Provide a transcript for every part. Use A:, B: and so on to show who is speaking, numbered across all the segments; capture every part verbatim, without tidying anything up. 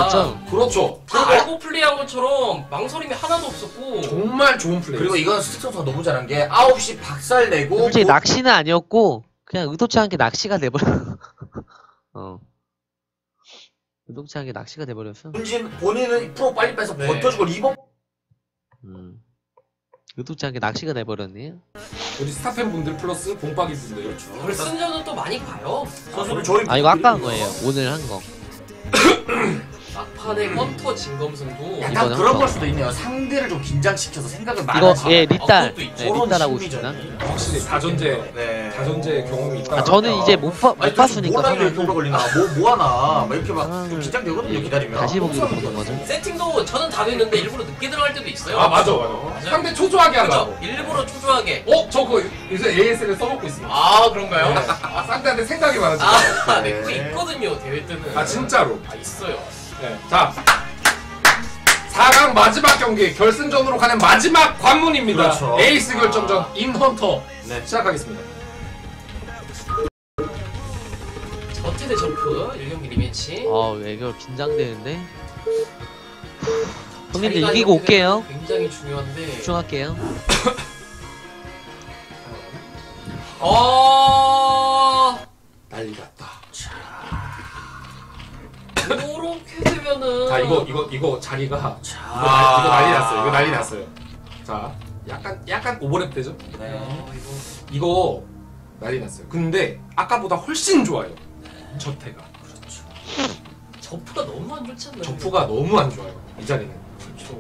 A: 맞죠?
B: 그렇죠.
C: 다 알고 플레이한 것처럼 망설임이 하나도 없었고
B: 정말 좋은 플레이.
D: 그리고 이건 스틱 선수가 너무 잘한 게 아홉 시 박살 내고
A: 솔직히
D: 뭐...
A: 낚시는 아니었고 그냥 의도치 않게 낚시가 돼버려. 어. 의도치 않게 낚시가 돼버렸어.
D: 본진 본인은 프로 빨리 빼서
C: 네.
D: 버텨주고 리버.
A: 음. 의도치 않게 낚시가 돼버렸네.
B: 우리 스타팬 분들 플러스 봉박이 분들.
D: 그렇죠.
C: 결승전은 또 많이 가요.
D: 선수는 저희
A: 아 이거 아까 한 거예요. 오늘 한 거.
C: 막판에 헌터 진검승도
D: 약간
A: 이번에
D: 그런
A: 한
D: 걸
A: 거.
D: 수도 있네요. 상대를 좀 긴장시켜서 생각을
A: 이거
D: 많아지.
A: 예 리딸.
C: 아, 그것도 있죠.
A: 예, 리딸하고 있습니다.
B: 확실히 다전제
D: 네.
B: 다전제 경험이 있다.
A: 아, 저는 이제 못, 봐, 못
D: 아니,
A: 봤으니까
D: 뭐라도 이렇게 오래
A: 상황을
D: 걸리나 뭐 뭐하나 막 이렇게 막
A: 상황을
D: 좀 긴장되거든요 기다리면.
A: 다시 보기로 보는 거죠.
C: 세팅도 저는 다 됐는데 일부러 늦게 들어갈 때도 있어요.
B: 아 맞아 맞아. 상대 초조하게 하려고.
C: 그렇죠. 일부러 초조하게.
B: 어? 저 그거 요새 에이에스를 써먹고 있습니다.
C: 아 그런가요?
B: 아, 상대한테 생각이 많아지고.
C: 아,
D: 네.
C: 네, 그거 있거든요 대회 때는.
B: 아 진짜로.
C: 아 있어요.
B: 네. 자 사 강 마지막 경기 결승전으로 가는 마지막 관문입니다.
D: 그렇죠.
B: 에이스 결정전
D: 아.
B: 인헌터
D: 네.
B: 시작하겠습니다.
C: 저태대 점프 일 경기 리매치.
A: 아 이거 긴장되는데. 형님들
C: 자리가
A: 이기고
C: 이렇게
A: 올게요.
C: 되면 굉장히 중요한데.
A: 집중할게요.
C: 어.
B: 난리 났다.
C: 요렇게 되면은.
B: 자 이거 이거 이거 자리가
D: 자.
B: 이거, 난, 이거 난리 났어요. 이거 난리 났어요. 자 약간 약간 오버랩 되죠?
D: 네.
C: 어, 이거.
B: 이거 난리 났어요. 근데 아까보다 훨씬 좋아요. 저태가.
D: 그렇죠.
C: 저프가 너무 안 좋지 않나요?
B: 저프가 너무 안 좋아요. 이 자리는.
C: 그렇죠.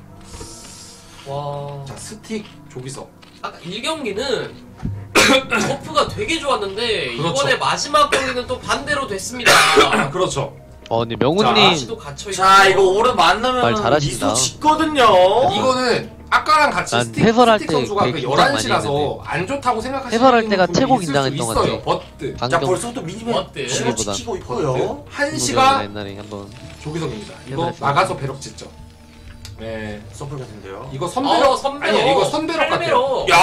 C: 와.
B: 자 스틱 조기석.
C: 아까 일 경기는 저프가 되게 좋았는데
B: 그렇죠.
C: 이번에 마지막 경기는 또 반대로 됐습니다.
B: 그렇죠.
A: 어 근데 명훈님
C: 시도 갇혀 있고.
D: 자 이거 오른 만나면
A: 말 잘하신다.
D: 미소 짓거든요.
B: 이거는 아까랑 같이
A: 난
B: 스틱,
A: 해설할
B: 스틱
A: 때
B: 선수가
A: 되게
B: 그
A: 긴장
B: 열한
A: 많이
B: 시라서 안 좋다고 생각하시는
A: 해설할 때가
B: 분이
A: 최고
B: 있을 수
A: 긴장했던 것
B: 있어요.
A: 같아요.
B: 버트.
D: 자
A: 방금
D: 벌써부터 미니맵
C: 어때?
D: 신호
A: 여기보다.
D: 지키고 있고요.
B: 한 시가
A: 옛날에 한번
B: 조기석입니다. 이거
A: 해설했습니다.
B: 나가서 배럭 짓죠. 네.
D: 서플 같은데요.
B: 이거 선배럭
C: 어, 선배럭.
B: 아니 이거 선배럭 같아요.
C: 팔배럭.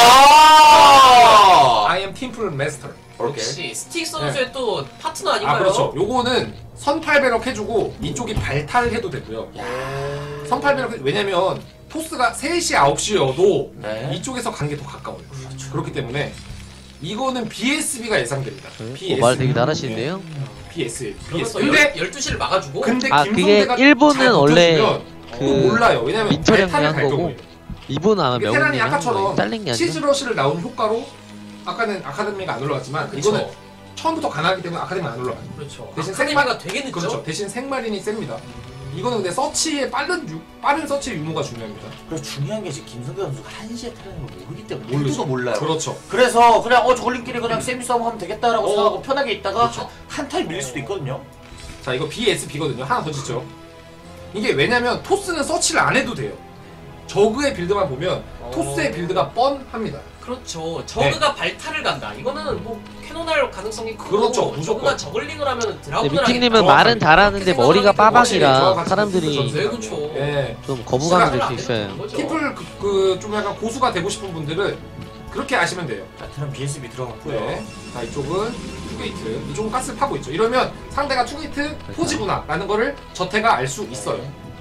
D: 야!
B: I am 팀플 마스터.
C: 역시 스틱 선수의 또 파트너 아닌가요?
B: 아 그렇죠. 요거는 선팔배럭 해주고 이쪽이 발탈해도 되고요. 선팔배럭 해- 왜냐면 토스가 세 시 아홉 시여도
D: 네.
B: 이쪽에서 가는 게 더 가까워요. 그렇기 때문에 이거는 비에스비가 예상됩니다.
A: 어, 말 되게 잘하시는데요.
B: 비에스.
C: 그래서
B: 근데
C: 열두 시를 막아주고.
B: 근데
A: 아, 그게
B: 김성대가
A: 일본은
B: 잘
A: 원래
B: 버텨주면
A: 그
B: 또 몰라요. 왜냐면
A: 민철이
B: 발탈을
A: 형이
B: 갈
A: 한 거고
B: 경우에.
A: 이분 아마
B: 이게
A: 명훈님이
B: 테란이
A: 한 거예요.
B: 아까처럼
A: 잘린 게 아니라.
B: 치즈러시를 나온 효과로 아까는 아카데미가 안 올라갔지만
C: 그쵸.
B: 이거는 처음부터 가능하기 때문에 아카데미가 안 올라가요.
C: 그렇죠.
B: 대신
C: 아카데미가 되게 늦죠.
B: 그렇죠. 대신 생마린이 셉니다. 이거는 근데 서치의 빠른 유, 빠른 서치의 유무가 중요합니다.
D: 그래서 중요한 게 지금 김성대 선수가 한 시에 타는 걸 모르기 때문에
B: 모르죠.
D: 모르도 몰라요.
B: 그렇죠.
D: 그래서 그냥 어 저걸림끼리 그냥 세미 싸움 하면 되겠다라고
B: 어.
D: 생각하고 편하게 있다가
B: 그렇죠.
D: 한 타임 밀릴 수도 있거든요.
B: 자 이거 비에스비거든요. 하나 더 짓죠. 이게 왜냐면 토스는 서치를 안 해도 돼요. 저그의 빌드만 보면
C: 어.
B: 토스의 빌드가 뻔합니다.
C: 그렇죠. 저그가 발탈을 간다. 이거는 뭐 캐논할 가능성이 크고.
B: 그렇죠. 무조건.
C: 저그가 저글링을 하면
A: 근데
C: 드라군을
A: 미팅님은
B: 정확하게
A: 말은 잘하는데
C: 그렇게
A: 머리가
C: 생각하기
A: 빠박이라
B: 정확하게
A: 사람들이
B: 전술
C: 네, 그렇죠.
B: 예.
A: 좀 거부감이 들 수
C: 안
A: 있어요.
C: 되는 거죠.
B: 팀플 그 좀 약간 고수가 되고 싶은 분들은 그렇게 아시면 돼요.
D: 자 테란 비에스비 들어갔고요.
B: 네. 자 이쪽은 투게이트, 이쪽은 가스를 파고 있죠. 이러면 상대가 투게이트 포지구나라는 거를 저태가 알 수 있어요.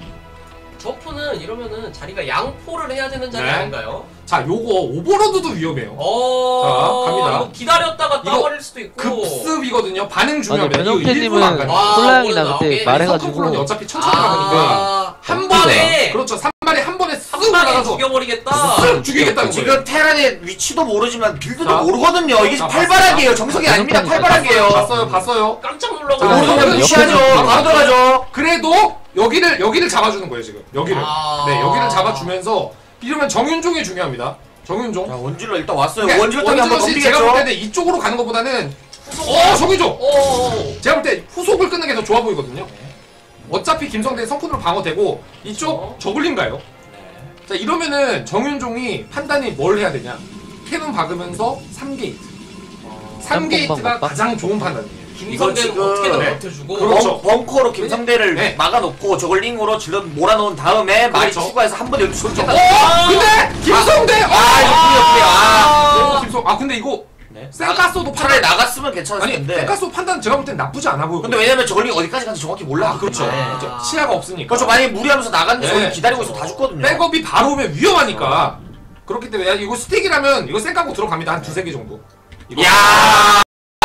C: 저프는 이러면은 자리가 양포를 해야 되는 자리
B: 네.
C: 아닌가요?
B: 자 요거 오버로드도 위험해요.
C: 어.
B: 자, 갑니다.
C: 이거 기다렸다가
B: 이거
C: 따버릴 수도 있고.
B: 급습이거든요. 반응
A: 맞아
B: 중요합니다. 이거
A: 변형태님은
B: 일부러 안 가요.
C: 아,
A: 콜라형이나
C: 오늘
A: 그때
C: 나오게.
A: 말해가지고
B: 서클콜론이 어차피 천천히 가니까
C: 아,
B: 한
A: 한
B: 번에 그렇죠. 삼 마리 한 번에 쓱
C: 한 방에
B: 올라가서
C: 죽여버리겠다.
B: 쓱 죽이겠다는 거예요.
D: 지금 테란의 위치도 모르지만 빌드도
B: 자.
D: 모르거든요. 이게
B: 자,
D: 팔바락이에요. 정석이 아닙니다.
A: 변형태님
D: 팔바락이에요.
B: 봤어요, 봤어요.
C: 깜짝 놀라고.
B: 자,
D: 모르는
B: 저는
D: 건 무시하죠.
A: 옆에서
D: 바로 들어가죠.
B: 그래도 여기를 여기를 잡아주는 거예요 지금. 여기를.
C: 아.
B: 네, 여기를 잡아주면서 이러면 정윤종이 중요합니다. 정윤종.
D: 자 원질러 일단 왔어요.
B: 그러니까
D: 원질러 타기 한번
B: 원질럿이 제가 볼
D: 넘기겠죠.
B: 때는 이쪽으로 가는 것보다는 어 저기죠.
C: 어.
B: 제가 볼 때 후속을 끊는 게 더 좋아 보이거든요. 어차피 김성대 성큰으로 방어되고 이쪽
C: 어.
B: 저글링가요? 자 이러면은 정윤종이 판단이 뭘 해야 되냐? 캐논 박으면서 삼 게이트. 삼 게이트가 가장 좋은 판단이에요.
C: 김성대는
D: 지금-
C: 어떻게든
B: 네.
C: 버텨주고.
B: 그렇죠.
D: 벙, 벙커로 김성대를
B: 네.
D: 막아놓고 저걸링으로 질러 몰아놓은 다음에 많이
B: 그렇죠.
D: 추가해서 한 번에 쏘겠다.
B: 어? 근데 김성대!
D: 아, 이거
B: 아,
D: 그래요, 그래요. 아.
B: 어, 김성. 아 근데 이거
D: 네. 네.
B: 센가스도
D: 차라리
B: 판단
D: 나갔으면 괜찮을
B: 아니
D: 텐데.
B: 센가스 판단 제가 볼 땐 나쁘지 않아 보여.
D: 근데 왜냐면 저걸링 어디까지 간지 정확히 몰라.
B: 아 그렇죠.
D: 네.
B: 그렇죠. 시야가 없으니까.
D: 그렇죠. 만약에 무리하면서 나갔는데
B: 네.
D: 저기 기다리고 있어 다 죽거든요.
B: 백업이 바로 오면 위험하니까. 그렇기 때문에 야, 이거 스틱이라면 이거 쌩까고 들어갑니다. 한 두세 개 정도. 이거.
D: 야.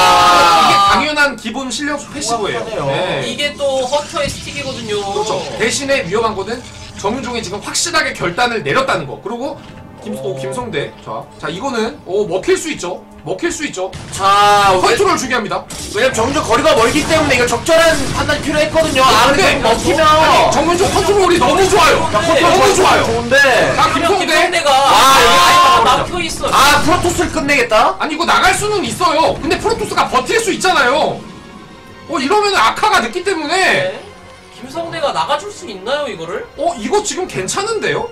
B: 이게 당연한 기본 실력 패시브예요.
D: 정확하네요.
B: 네.
C: 이게 또 허터의 스틱이거든요.
B: 그렇죠. 대신에 위험한 거는 정윤종이 지금 확실하게 결단을 내렸다는 거. 그리고 김, 오, 김성대. 자, 자 이거는 오 먹힐 수 있죠. 먹힐 수 있죠.
D: 자, 왜,
B: 컨트롤 중요합니다.
D: 왜냐면 정윤종 거리가 멀기 때문에 이거 적절한 판단이 필요했거든요. 아, 근데
B: 근데
D: 먹히면
B: 아니, 정윤종 컨트롤이 너무 좋아요.
D: 컨트롤
B: 너무 좋아요.
D: 좋은데.
B: 자 김성대.
C: 김성대가
D: 아, 여기
C: 아,
D: 아예
C: 막혀 있어.
D: 아, 프로토스를 끝내겠다.
B: 아니 이거 나갈 수는 있어요. 근데 프로토스가 버틸 수 있잖아요. 어 이러면 아카가 늦기 때문에
C: 네. 김성대가 나가줄 수 있나요 이거를?
B: 어 이거 지금 괜찮은데요?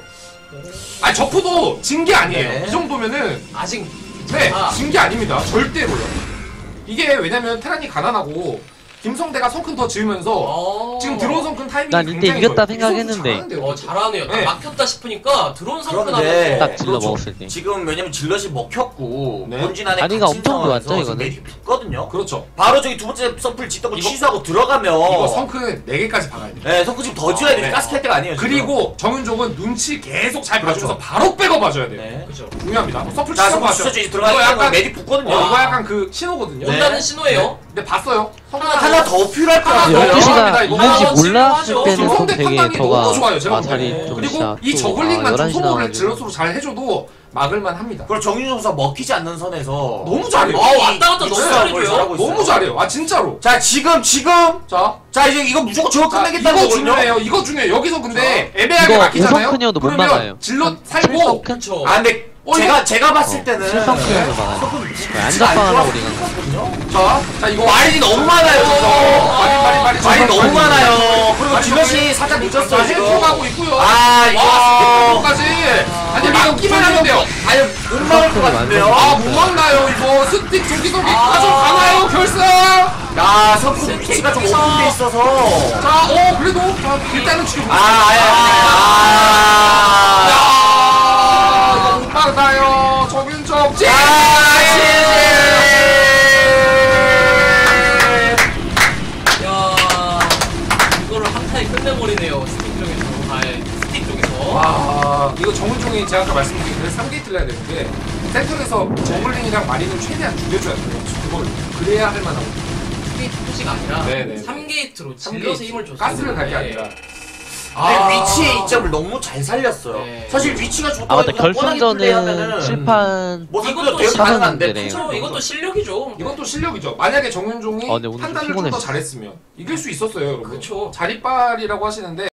B: 아니 저프도 진 게 아니에요.
D: 네.
B: 이 정도면은
C: 아직
B: 네,
C: 아.
B: 진 게 아닙니다. 절대로요. 이게 왜냐면 테란이 가난하고 김성대가 성큰 더 지으면서
C: 어...
B: 지금 드론 성큰 타이밍이
A: 난 이때
B: 굉장히
A: 이겼다
B: 좋아요. 이
A: 생각했는데.
B: 선수 잘하는데요.
C: 어 잘하네요. 딱
B: 네.
C: 막혔다 싶으니까 드론
D: 그런데
C: 성큰하면서
A: 딱 질러
D: 그렇죠.
A: 먹었을 때.
D: 지금 왜냐면 질럿이 먹혔고
B: 네.
D: 본진 안에
A: 다리가
D: 갇힌
A: 엄청
D: 상황에서
A: 좋았죠,
D: 지금
A: 이거는.
D: 메딕이 붙거든요.
B: 그렇죠.
D: 바로 저기 두 번째 서플 짓던 거
B: 이거-
D: 취소하고 들어가면
B: 이거 성큰 네 개까지 박아야 돼요.
D: 네, 성크 지금 더 지어야 돼.
B: 네.
D: 가스 캘 때가 아니에요. 지금.
B: 그리고 정윤종은 눈치 계속 잘
D: 그렇죠.
B: 봐주면서 바로 백업 봐줘야 돼요.
D: 네.
C: 그죠.
B: 중요하면 서플
D: 자,
B: 치는
D: 성크
B: 거
D: 취소
B: 같죠?
D: 이제
B: 이거
D: 들어가면
B: 약간
D: 메딕 붙거든요.
B: 어, 이거 약간 그 신호거든요.
D: 네.
C: 온다는 신호예요.
B: 근데 봤어요.
C: 하나
D: 하나 더 필요할 것
B: 하나
A: 근데
B: 더
D: 같아요.
A: 열두 시가
B: 합니다, 이거.
A: 있는지
C: 아,
A: 몰랐을
C: 진짜
A: 때는 좀
B: 김성대
A: 되게
B: 판단이 너무
A: 저가
B: 좋아요, 제가
A: 마살이
C: 보기에는.
A: 좀
B: 그리고
A: 진짜
B: 이
A: 또,
B: 저글링만
A: 아,
B: 좀
A: 열한 시
B: 소모를
A: 나와가지고.
B: 질럿으로 잘 해줘도 막을만 합니다.
D: 그리고 정윤종 선수가 먹히지 않는 선에서
B: 너무 잘해요.
C: 아, 왔다 갔다 너무
D: 익숙한
C: 잘해줘요.
D: 걸 잘하고 있어요.
B: 너무 잘해요. 아 진짜로.
D: 자, 지금 지금
B: 자,
D: 자, 이제 이거 무조건 저거
B: 자
D: 끝내겠다는
B: 이거
D: 거거든요.
B: 중요해요. 이거 중요해요. 여기서 근데 애매하게
A: 이거
B: 막히잖아요.
A: 오성큰이어도 못
B: 그러면
A: 막아요.
B: 질럿 살고
A: 큰
C: 그쵸.
D: 아, 근데
B: 어,
D: 제가
B: 이거-
D: 제가 봤을
A: 어,
D: 때는
A: 실성큰이어도 막아요.
D: 안
A: 안전빵하려고 우리가.
B: 자, 자 이거
D: 와인이 너무 많아요,
B: 어,
D: 저거.
B: 말이 말이 말이
D: 와인이 너무 많아요. 그리고
B: 아니,
D: 질럿이 살짝 늦었어요,
B: 자,
D: 지금.
B: 헬프 가고 있고요.
D: 아, 이거.
B: 까지 아니 막기만 하면 돼요.
D: 아니, 못 막을 것 같은데요.
B: 아 못 막나요 이거 스틱 조기석이
C: 아.
B: 가져가나요 결승.
D: 야, 석구 위치가 좀 오픈돼 있어서.
B: 자, 어 그래도 자, 일단은 지금
D: 아, 아야, 아,
B: 야, 이거 못 막아요. 정윤정 지.
C: 야 이거를 한타에 끝내버리네요. 스틱 쪽에서. 아, 스틱 쪽에서.
B: 와, 이거 정윤종이 제가 아까 말씀드린 그래서 삼 게이트를 해야 되는데 센터에서 저글링이랑 마린을 최대한 죽여줘야 돼요. 그걸 그래야 할 만하고.
C: 이 게이트 표시가 아니라
B: 네네.
C: 삼 게이트로
B: 삼
C: 질러서
B: 게이트.
C: 힘을 줬어요.
B: 가스를 갈 게 아니라.
D: 근데
B: 아.
D: 위치의 이점을 너무 잘 살렸어요.
C: 네.
D: 사실 위치가 좋다고
A: 아 맞다
D: 해서 뻔하게 플레이하면은
A: 결승전은 칠판
D: 뭐
C: 이것도
D: 이것도 되게
C: 시간은
D: 가능한데
A: 안 되네요.
C: 그쵸, 이것도 실력이죠.
B: 이것도 실력이죠. 만약에 정윤종이
A: 아, 근데 오늘 좀
B: 판단을 좀 더
A: 피곤했어.
B: 잘했으면 이길 수 있었어요, 여러분.
C: 그쵸.
B: 자리빨이라고 하시는데